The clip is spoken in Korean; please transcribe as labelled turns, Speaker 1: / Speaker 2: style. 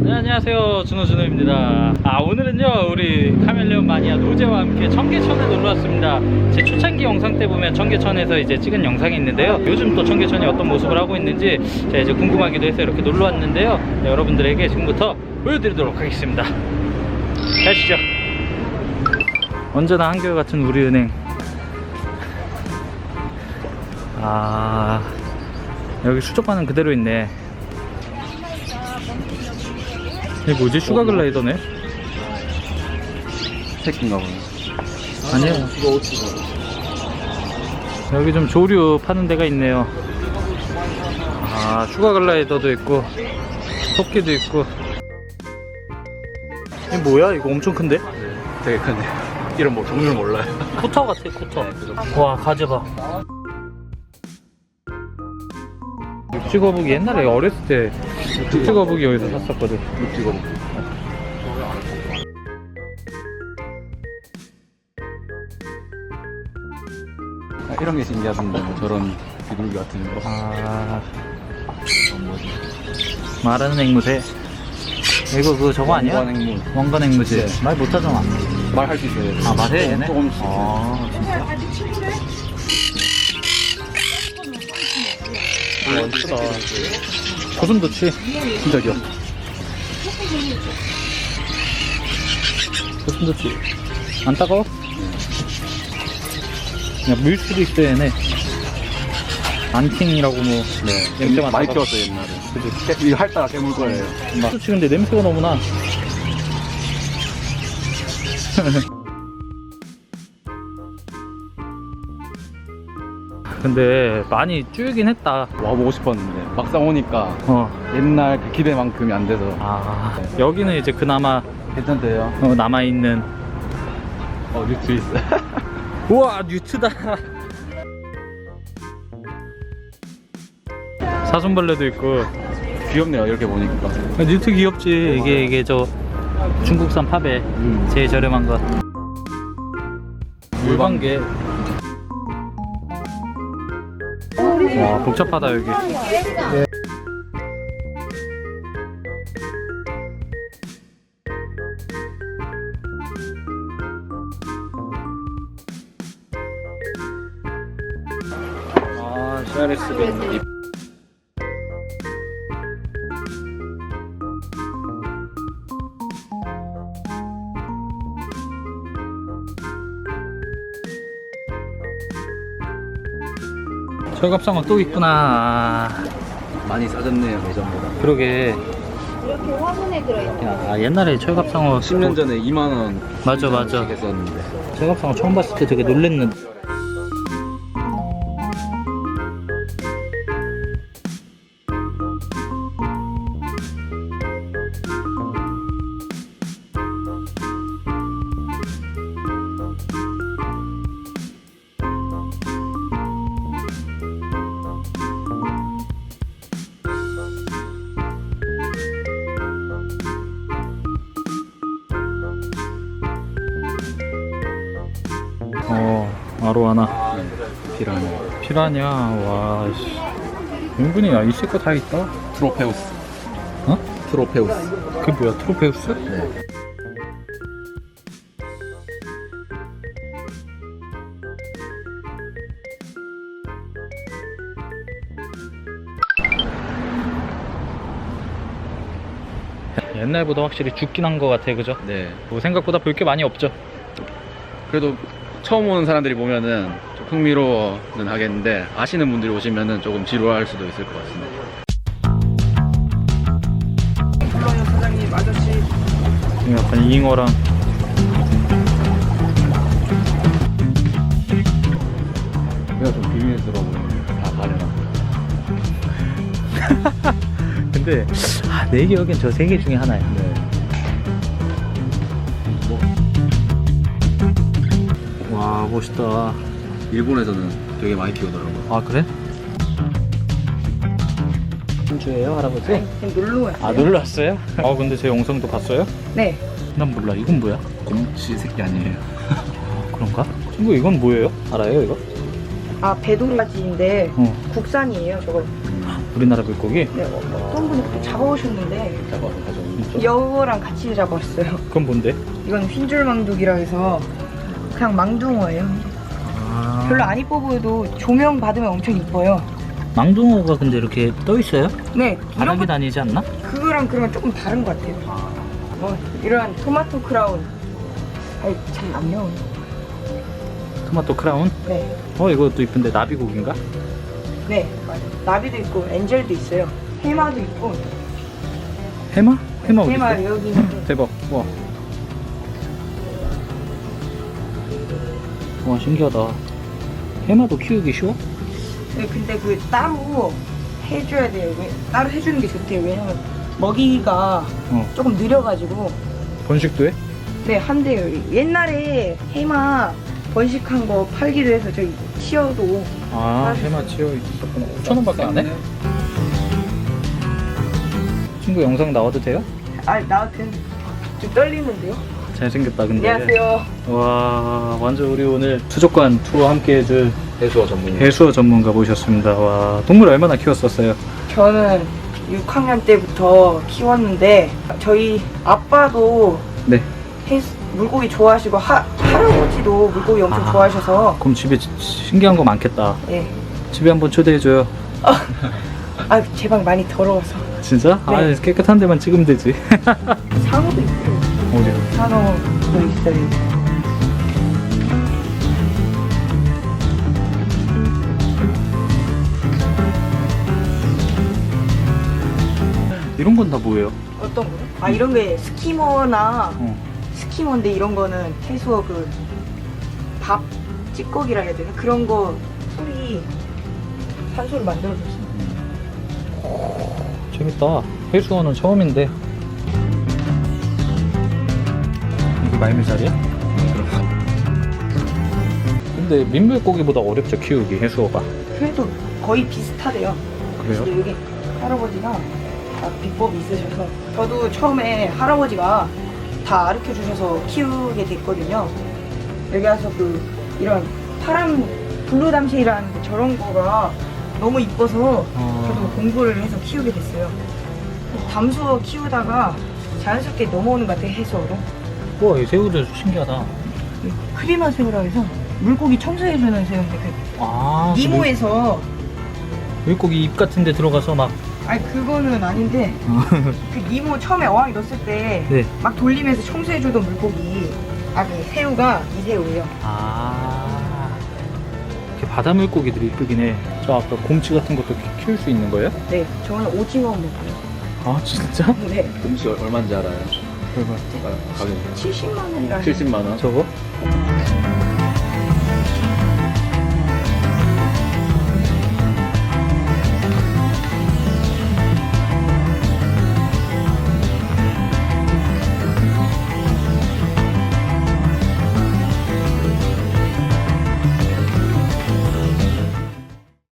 Speaker 1: 네, 안녕하세요, 준호준호입니다. 오늘은요 우리 카멜레온 마니아 노제와 함께 청계천에 놀러왔습니다. 제 초창기 영상 때 보면 청계천에서 이제 찍은 영상이 있는데요, 요즘 또 청계천이 어떤 모습을 하고 있는지 제가 이제 궁금하기도 해서 이렇게 놀러왔는데요, 네, 여러분들에게 지금부터 보여드리도록 하겠습니다. 가시죠. 언제나 한결같은 우리은행. 여기 수족관은 그대로 있네. 이게 뭐지? 슈가 글라이더네?
Speaker 2: 새끼인가 보네.
Speaker 1: 아니요. 여기 좀 조류 파는 데가 있네요. 슈가 글라이더도 있고 토끼도 있고. 이게 뭐야? 이거 엄청 큰데?
Speaker 2: 되게 크네. 이런 뭐 종류를 몰라요.
Speaker 1: 코터 같아, 코터. 와, 가재 봐. 육지거북이 옛날에 어렸을 때 육지거북이 여기서 샀었거든.
Speaker 2: 육지거북이. 이런 게 신기하던데, 뭐 저런 비둘기 같은 거. 뭐지?
Speaker 1: 말하는 앵무새. 이거 그거 저거 아니야?
Speaker 2: 원관앵무.
Speaker 1: 원관앵무새.
Speaker 2: 네.
Speaker 1: 말 못하잖아.
Speaker 2: 말할 수 있어요.
Speaker 1: 말해 얘네?
Speaker 2: 조금씩.
Speaker 1: 진짜? 멋있다. 고슴 도치.
Speaker 2: 진짜 귀여워.
Speaker 1: 고슴 도치. 안 따가워? 그냥 물수도 있어 얘네. 안팅이라고 뭐.
Speaker 2: 네.
Speaker 1: 냄새만
Speaker 2: 많이
Speaker 1: 나가-
Speaker 2: 키웠어요, 옛날에.
Speaker 1: 그치?
Speaker 2: 이거 핥다가 깨물 거예요.
Speaker 1: 도치 근데 냄새가 너무 나. 근데 많이 줄긴 했다.
Speaker 2: 와보고 싶었는데, 막상 오니까 옛날 그 기대만큼이 안 돼서.
Speaker 1: 여기는 이제 그나마
Speaker 2: 괜찮대요.
Speaker 1: 남아있는.
Speaker 2: 뉴트 있어.
Speaker 1: 우와, 뉴트다. 사슴벌레도 있고.
Speaker 2: 귀엽네요, 이렇게 보니까.
Speaker 1: 뉴트 귀엽지. 이게 저 중국산 팝에 제일 저렴한 것. 물방개. 와, 복잡하다 여기. CRS가 있네. 철갑상어 또 있구나.
Speaker 2: 많이 싸졌네요, 예전보다.
Speaker 1: 그러게.
Speaker 3: 이렇게 화분에 들어있는
Speaker 1: 옛날에 철갑상어
Speaker 2: 10년 전에 2만원
Speaker 1: 맞아.
Speaker 2: 했었는데.
Speaker 1: 철갑상어 처음 봤을 때 되게 놀랬는데. 아로하나. 피라냐. 와, 씨. 은근히 있을 거 다 있다.
Speaker 2: 트로페우스.
Speaker 1: 어?
Speaker 2: 트로페우스.
Speaker 1: 그게 뭐야, 트로페우스?
Speaker 2: 네.
Speaker 1: 옛날보다 확실히 죽긴 한 거 같아, 그죠?
Speaker 2: 네.
Speaker 1: 뭐 생각보다 볼 게 많이 없죠.
Speaker 2: 그래도 처음 오는 사람들이 보면은 좀 흥미로워는 하겠는데, 아시는 분들이 오시면은 조금 지루할 수도 있을 것 같습니다.
Speaker 3: 사장님 아저씨
Speaker 1: 약간 잉어랑.
Speaker 2: 내가 좀 비밀스러워 보이는데 다 가려나.
Speaker 1: 근데 내 기억엔 저 세 개 중에 하나야.
Speaker 2: 네.
Speaker 1: 와, 멋있다.
Speaker 2: 일본에서는 되게 많이 키우더라고요.
Speaker 1: 그래? 현주예요, 할아버지?
Speaker 3: 지금 놀러 왔어요.
Speaker 1: 놀러 왔어요? 근데 제 영상도 봤어요?
Speaker 3: 네.
Speaker 1: 난 몰라. 이건 뭐야?
Speaker 2: 곰치 새끼 아니에요.
Speaker 1: 그런가? 친구, 이건 뭐예요? 알아요, 이거?
Speaker 3: 배도라지인데
Speaker 1: 어.
Speaker 3: 국산이에요 저거.
Speaker 1: 우리나라 물고기?
Speaker 3: 네, 어떤 분이 그때 잡아오셨는데
Speaker 2: 잡아서 가져오는
Speaker 3: 여우랑 같이 잡았어요.
Speaker 1: 그건 뭔데?
Speaker 3: 이건 흰줄망둥이라 해서 그냥 망둥어예요.
Speaker 1: 아...
Speaker 3: 별로 안 이뻐 보여도 조명 받으면 엄청 이뻐요.
Speaker 1: 망둥어가 근데 이렇게 떠 있어요?
Speaker 3: 네, 이런
Speaker 1: 바닥에
Speaker 3: 거
Speaker 1: 다니지 않나?
Speaker 3: 그거랑 그런 조금 다른 것 같아요. 이런 토마토 크라운. 아니 참 안 나오네.
Speaker 1: 토마토 크라운?
Speaker 3: 네,
Speaker 1: 이것도 이쁜데 나비고기인가?
Speaker 3: 네, 맞아요. 나비도 있고 엔젤도 있어요. 해마도 있고.
Speaker 1: 해마? 해마 어디
Speaker 3: 해마
Speaker 1: 있어?
Speaker 3: 여기 있는데.
Speaker 1: 대박. 와 신기하다. 해마도 키우기 쉬워?
Speaker 3: 네, 근데 그 따로 해줘야 돼요. 따로 해주는 게 좋대요. 왜냐면 먹이가 조금 느려가지고.
Speaker 1: 번식도 해?
Speaker 3: 네, 한대요. 옛날에 해마 번식한 거 팔기도 해서 저희 치어도.
Speaker 1: 아 해마 치어 있었구나. 5,000원밖에 안 해? 친구 영상 나와도 돼요?
Speaker 3: 아, 나한텐 좀 떨리는데요.
Speaker 1: 잘생겼다 근데.
Speaker 3: 안녕하세요.
Speaker 1: 와 완전 우리 오늘 수족관 투어 함께 해줄
Speaker 2: 해수어 전문이.
Speaker 1: 해수어 전문가 모셨습니다. 와 동물 얼마나 키웠었어요?
Speaker 3: 저는 6학년 때부터 키웠는데 저희 아빠도
Speaker 1: 네.
Speaker 3: 물고기 좋아하시고 할아버지도 물고기 엄청
Speaker 1: 아.
Speaker 3: 좋아하셔서.
Speaker 1: 그럼 집에 신기한 거 많겠다.
Speaker 3: 예.
Speaker 1: 집에 한번 초대해줘요.
Speaker 3: 아, 제 방 많이 더러워서.
Speaker 1: 진짜?
Speaker 3: 네.
Speaker 1: 아 깨끗한 데만 찍으면 되지.
Speaker 3: 상어도 있고.
Speaker 1: 어디요?
Speaker 3: 상어도 있어요.
Speaker 1: 이런 건 다 뭐예요?
Speaker 3: 어떤 거요? 아, 이런 게 스키머나
Speaker 1: 어.
Speaker 3: 스키머인데 이런 거는 해수어 그 밥 찌꺼기라 해야 되나? 그런 거 소리 산소를 만들어줬어요.
Speaker 1: 재밌다. 해수어는 처음인데. 이게 말미잘이야? 근데 민물고기보다 어렵죠 키우기 해수어가.
Speaker 3: 그래도 거의 비슷하대요.
Speaker 1: 그래요?
Speaker 3: 근데 여기 할아버지가 다 비법이 있으셔서 저도 처음에 할아버지가 다 가르쳐 주셔서 키우게 됐거든요. 여기 와서 이런 파란 블루담쉐이라는 저런 거가 너무 이뻐서 저도 공부를 해서 키우게 됐어요. 담수어 키우다가 자연스럽게 넘어오는 것 같아요, 해수어로.
Speaker 1: 우와 이 새우들 신기하다.
Speaker 3: 크리마 새우라 해서 물고기 청소해주는 새우인데
Speaker 1: 아
Speaker 3: 니모에서
Speaker 1: 물고기 입 같은 데 들어가서 막.
Speaker 3: 아니 그거는 아닌데 그 니모 처음에 어항에 넣었을 때 막
Speaker 1: 네.
Speaker 3: 돌리면서 청소해주던 물고기 그 새우가 이 새우예요.
Speaker 1: 아 이렇게 바다 물고기들이 이쁘긴 해. 저 아까 곰치 같은 것도 키울 수 있는 거예요?
Speaker 3: 네, 저는 오징어 먹어요.
Speaker 1: 아 진짜?
Speaker 3: 네,
Speaker 2: 곰치 얼마인지 알아요?
Speaker 1: 얼마?
Speaker 2: 가격
Speaker 3: 70만 원이라.
Speaker 2: 70만 원.
Speaker 1: 저거?